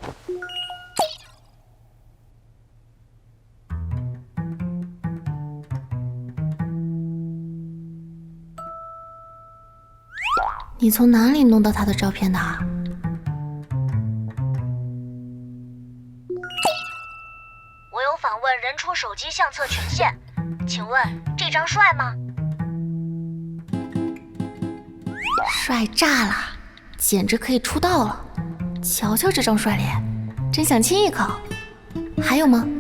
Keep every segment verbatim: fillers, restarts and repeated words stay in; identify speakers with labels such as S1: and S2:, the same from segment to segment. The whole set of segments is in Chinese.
S1: 你从哪里弄到他的照片的？
S2: 我有访问人出手机相册权限，请问这张帅吗？
S1: 帅炸了，简直可以出道了！瞧瞧这张帅脸，真想亲一口。还有吗？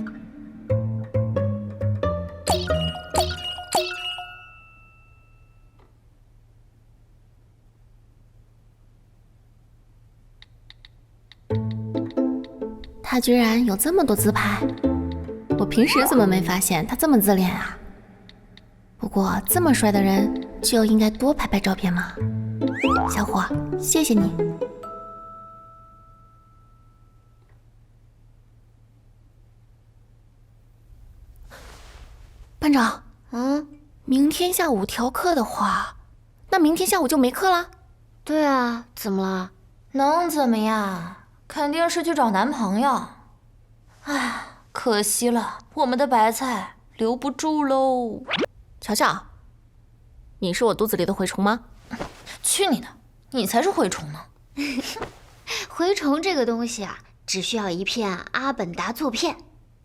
S1: 他居然有这么多自拍，我平时怎么没发现他这么自恋啊？不过这么帅的人就应该多拍拍照片嘛。小伙，谢谢你。班长，
S2: 嗯，
S1: 明天下午调课的话，那明天下午就没课了？
S2: 对啊，怎么了？
S3: 能怎么样？肯定是去找男朋友。唉，可惜了，我们的白菜留不住喽。
S1: 乔乔，你是我肚子里的蛔虫吗？
S3: 去你的，你才是蛔虫呢。
S2: 蛔虫这个东西啊，只需要一片阿本达唑片。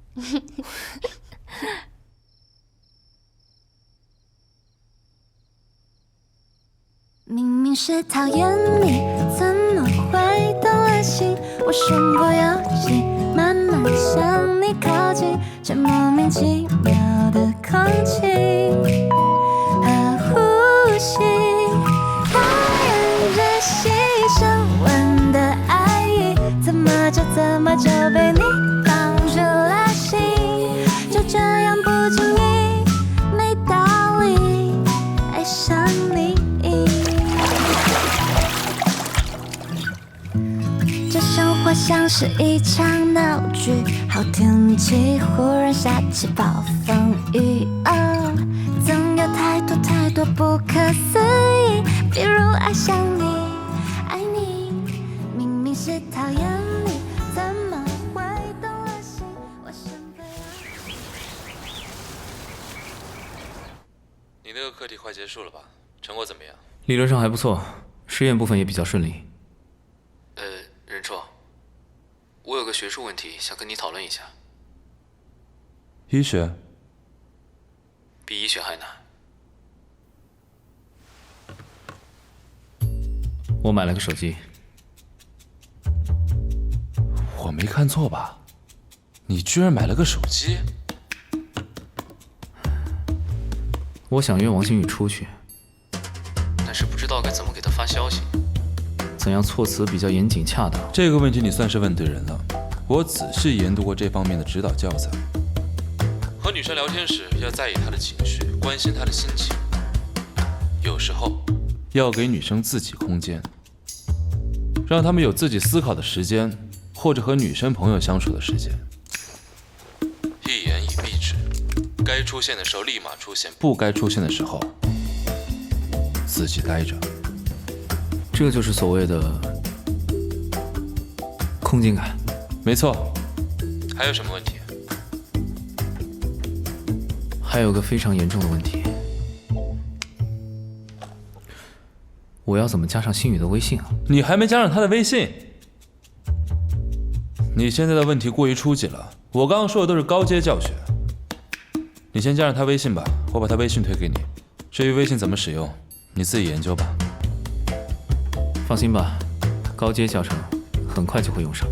S4: 明明是讨厌你，怎么会动了心？我身不由己，慢慢向你靠近，这莫名其妙的空气和呼吸，让人窒息。深吻的爱意，怎么就怎么就被你放入了心？就这样不经意，没道理爱上你。这生活像是一场闹剧，好天气忽然下起暴风雨，哦，总有太多太多不可思议，比如爱上你，爱你，明明是讨厌你，怎么会动了心？我身不由己。
S5: 你那个课题快结束了吧？成果怎么样？
S6: 理论上还不错，实验部分也比较顺利。
S5: 呃，任硕，我有个学术问题想跟你讨论一下。
S7: 医学
S5: 比医学还难。
S6: 我买了个手机。
S7: 我没看错吧？你居然买了个手机？
S6: 我想约王星宇出去，
S5: 但是不知道该怎么给他发消息。
S6: 怎样措辞比较严谨恰当？
S7: 这个问题你算是问对人了。我仔细研读过这方面的指导教材。
S5: 和女生聊天时要在意她的情绪，关心她的心情。有时候
S7: 要给女生自己空间，让她们有自己思考的时间，或者和女生朋友相处的时间。
S5: 一言以蔽之，该出现的时候立马出现，
S7: 不该出现的时候自己待着。
S6: 这就是所谓的空间感。
S7: 没错。
S5: 还有什么问题？
S6: 还有个非常严重的问题，我要怎么加上星宇的微信啊？
S7: 你还没加上他的微信？你现在的问题过于初级了，我刚刚说的都是高阶教学。你先加上他微信吧，我把他微信推给你。至于微信怎么使用，你自己研究吧。
S6: 放心吧，高阶教程很快就会用上。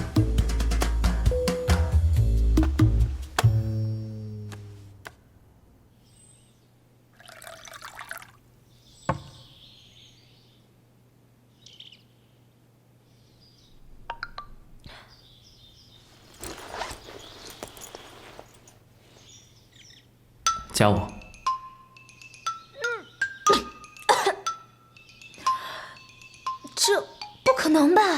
S6: 加我。
S3: 这不可能吧？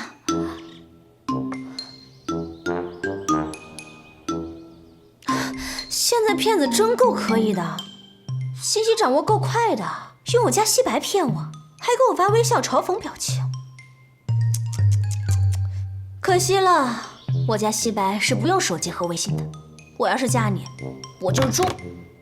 S3: 现在骗子真够可以的，信息掌握够快的，用我家西白骗我，还给我发微笑嘲讽表情。可可惜了，我家西白是不用手机和微信的。我要是嫁你，我就猪。